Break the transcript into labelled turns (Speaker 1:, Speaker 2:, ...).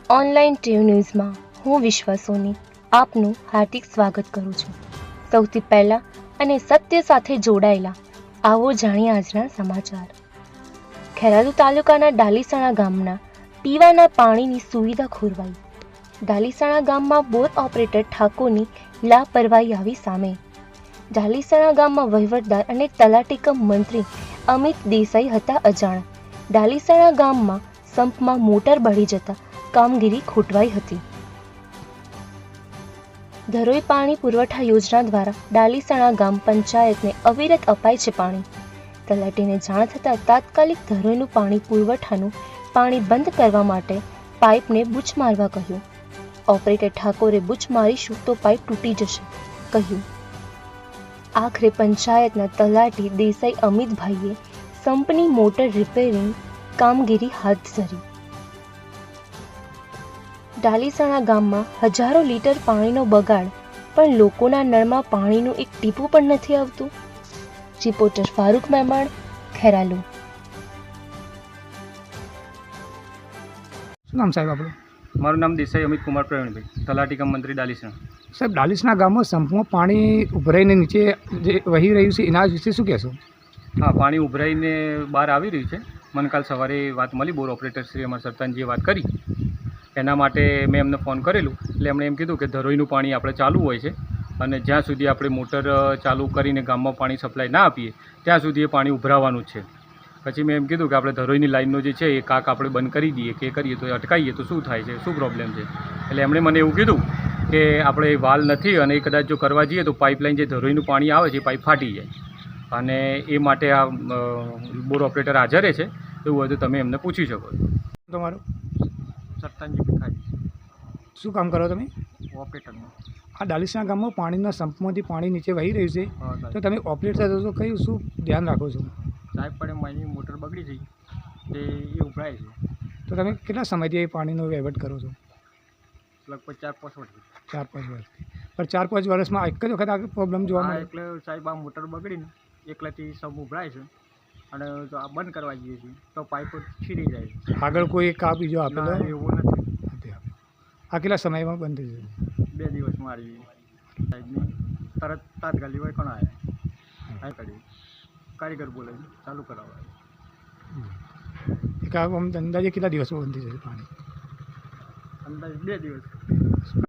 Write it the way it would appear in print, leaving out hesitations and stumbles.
Speaker 1: Online TV ન્યૂઝમાં હું વિશ્વા સોની આપનું હાર્દિક સ્વાગત કરું છું। સૌથી પહેલા અને સત્ય સાથે જોડાયેલા આવો જાણીએ આજના સમાચાર। ખેરાલુ તાલુકાના ડાલીસણા ગામના પીવાના પાણીની સુવિધા ખોરવાઈ। ડાલીસણા ગામમાં બોર ઓપરેટર ઠાકોરની લાપરવાહી આવી સામે। ડાલીસણા ગામમાં વહીવટદાર અને તલાટી કમ મંત્રી અમિત દેસાઈ હતા અજાણ। ડાલીસણા ગામમાં સંપમાં મોટર બળી જતા કામગીરી ખોટવાઈ હતી। ધરોઈ પાણી પુરવઠા યોજના દ્વારા ડાલીસણા ગામ પંચાયતને અવિરત અપાય છે પાણી। તલાટીને જાણ થતાં તાત્કાલિક ધરોઈનું પાણી પુરવઠાનું પાણી બંધ કરવા માટે પાઇપને બૂચ મારવા કહ્યું। ઓપરેટર ઠાકોરે બૂચ મારીશું તો પાઇપ તૂટી જશે કહ્યું। આખરે પંચાયતના તલાટી દેસાઈ અમિતભાઈએ સંપની મોટર રિપેરિંગ કામગીરી હાથ ધરી। ડાલીસણા ગામમાં હજારો લીટર પાણીનો બગાડ પણ લોકોના નળમાં પાણીનું એક ટીપું પણ નથી આવતું। રિપોર્ટર ફારૂક મહેમાણ, ખેરાલુ।
Speaker 2: શું નામ સાહેબ આપણું?
Speaker 3: મારું નામ દેસાઈ અમિત કુમાર પ્રવીણભાઈ, તલાટી કમ મંત્રી ડાલીસણા।
Speaker 2: સાહેબ, ડાલીસણા ગામમાં સંપમાં પાણી ઉભરાઈને નીચે જે વહી રહ્યું છે એના વિશે શું કહેશો?
Speaker 3: હા, પાણી ઉભરાઈને બહાર આવી રહ્યું છે। મને કાલ સવારે વાત મળી, બોર ઓપરેટર શ્રી અમારા સરપંચજીએ વાત કરી, એના માટે મેં એમને ફોન કરેલું એટલે એમણે એમ કીધું કે ધરોઈનું પાણી આપણે ચાલુ હોય છે અને જ્યાં સુધી આપણે મોટર ચાલુ કરીને ગામમાં પાણી સપ્લાય ના આપીએ ત્યાં સુધી એ પાણી ઉભરાવાનું જ છે। પછી મેં એમ કીધું કે આપણે ધરોઈની લાઈનનો જે છે એ કાક આપણે બંધ કરી દઈએ કે કરીએ તો અટકાવીએ તો શું થાય છે, શું પ્રોબ્લેમ છે। એટલે એમણે મને એવું કીધું કે આપણે વાલ નથી અને એ કદાચ જો કરવા જઈએ તો પાઇપલાઇન જે ધરોઈનું પાણી આવે છે એ પાઇપ ફાટી જાય અને એ માટે આ બોર ઓપરેટર હાજર છે। એવું હોય તો તમે એમને પૂછી શકો છો।
Speaker 2: તમારું
Speaker 3: સરપંચજી ભીખાઈ,
Speaker 2: શું કામ કરો તમે?
Speaker 3: ઓપરેટરનું।
Speaker 2: આ ડાલીસણા ગામમાં પાણીના સંપમાંથી પાણી નીચે વહી રહ્યું છે, તો તમે ઓપરેટર છો તો કયું શું ધ્યાન રાખો છો?
Speaker 3: સાહેબ પણ મારી મોટર બગડી ગઈ તે એ ઉભરાય છે,
Speaker 2: તો તમે કેટલા સમયથી એ પાણીનો વહીવટ કરો છો?
Speaker 3: લગભગ 4-5 વર્ષથી।
Speaker 2: 4-5 વર્ષથી? પણ 4-5 વર્ષમાં એક જ વખત આ પ્રોબ્લેમ જોવા મળે?
Speaker 3: એટલે સાહેબ આ મોટર બગડીને એકલાથી સબ ઉભરાય છે અને જો આ બંધ કરવા જઈએ છીએ તો પાઇપ છીરી જાય છે।
Speaker 2: આગળ કોઈ કા બીજો આપેલો
Speaker 3: એવું નથી।
Speaker 2: નથી આપેલો? આ કેટલા સમયમાં બંધ થઈ જશે?
Speaker 3: 2 દિવસમાં આવી સાહેબની તરત તાત્કાલિક હોય કોણ આવ્યા આ કરી કારીગર બોલાવી ચાલુ કરાવવા।
Speaker 2: એક અંદાજે કેટલા દિવસમાં બંધ થઈ જશે પાણી?
Speaker 3: અંદાજે 2 દિવસ।